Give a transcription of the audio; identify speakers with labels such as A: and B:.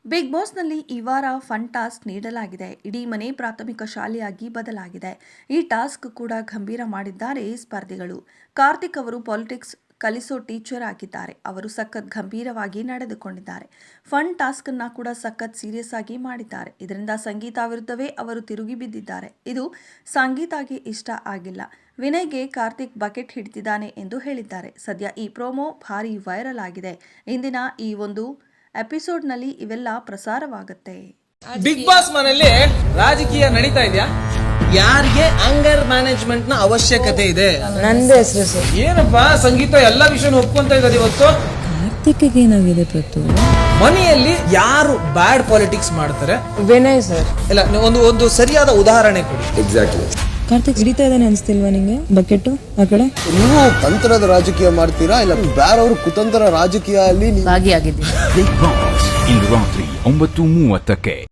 A: Big ಬಾಸ್ನಲ್ಲಿ ಈ ವಾರ fun task ನೀಡಲಾಗಿದೆ. ಇಡೀ ಮನೆ ಪ್ರಾಥಮಿಕ ಶಾಲೆಯಾಗಿ ಬದಲಾಗಿದೆ. ಈ ಟಾಸ್ಕ್ ಕೂಡ ಗಂಭೀರ ಮಾಡಿದ್ದಾರೆ ಸ್ಪರ್ಧಿಗಳು. ಕಾರ್ತಿಕ್ ಅವರು ಪಾಲಿಟಿಕ್ಸ್ ಕಲಿಸೋ ಟೀಚರ್ ಆಗಿದ್ದಾರೆ. ಅವರು ಸಖತ್ ಗಂಭೀರವಾಗಿ ನಡೆದುಕೊಂಡಿದ್ದಾರೆ. ಫನ್ ಟಾಸ್ಕ್ ಅನ್ನ ಕೂಡ ಸಖತ್ ಸೀರಿಯಸ್ ಆಗಿ ಮಾಡಿದ್ದಾರೆ. ಇದರಿಂದ ಸಂಗೀತ ವಿರುದ್ಧವೇ ಅವರು ತಿರುಗಿ ಬಿದ್ದಿದ್ದಾರೆ. ಇದು ಸಂಗೀತಾಗೆ ಇಷ್ಟ ಆಗಿಲ್ಲ. ವಿನಯ್ಗೆ ಕಾರ್ತಿಕ್ ಬಕೆಟ್ ಹಿಡಿದಿದ್ದಾನೆ ಎಂದು ಹೇಳಿದ್ದಾರೆ. ಸದ್ಯ ಈ ಪ್ರೋಮೋ ಭಾರಿ ವೈರಲ್ ಆಗಿದೆ. ಇಂದಿನ ಈ ಒಂದು ಎಪಿಸೋಡ್ನಲ್ಲಿ ಇವೆಲ್ಲ ಪ್ರಸಾರವಾಗುತ್ತೆ.
B: ಬಿಗ್ ಬಾಸ್ ಮನೆಯಲ್ಲಿ ರಾಜಕೀಯ ನಡೀತಾ ಇದೆಯಾ? ಯಾರಿಗೆ ಅಂಗರ್ ಮ್ಯಾನೇಜ್ಮೆಂಟ್ ನ ಅವಶ್ಯಕತೆ ಇದೆ?
C: ನಂದೇ ಹೆಸರು ಸರ್.
B: ಏನಪ್ಪಾ ಸಂಗೀತ ಎಲ್ಲಾ ವಿಷಯ ಒಪ್ಕೊಂತ ಇರೋದು ಇವತ್ತು.
C: ಕಾರ್ತಿಕ್ಗೆ ಏನಾಗಿದೆ ಪ್ರತು?
B: ಮನೆಯಲ್ಲಿ ಯಾರು ಬ್ಯಾಡ್ ಪಾಲಿಟಿಕ್ಸ್ ಮಾಡ್ತಾರೆ?
C: ವಿನಯ್ ಸರ್.
B: ಇಲ್ಲ, ಒಂದು ಸರಿಯಾದ ಉದಾಹರಣೆ ಕೊಡಿ.
D: ಎಕ್ಸಾಕ್ಟ್ಲಿ.
C: ಕಾರ್ತಿಕ್ ಹಿಡಿತಾ ಇದ್ದಾನೆ ಅನ್ಸ್ತಿಲ್ವಾ ನಿಂಗೆ ಬಕೆಟ್ ಆ ಕಡೆ?
D: ನೀವು ತಂತ್ರದ ರಾಜಕೀಯ ಮಾಡ್ತೀರಾ ಇಲ್ಲ ಬೇರೆಯವರು ಕುತಂತ್ರ ರಾಜಕೀಯ ಅಲ್ಲಿ
C: ಭಾಗಿಯಾಗಿದ್ದೀನಿ.
E: ಬಿಗ್ ಬಾಸ್ ಇಂದು ರಾತ್ರಿ 9:30ಕ್ಕೆ.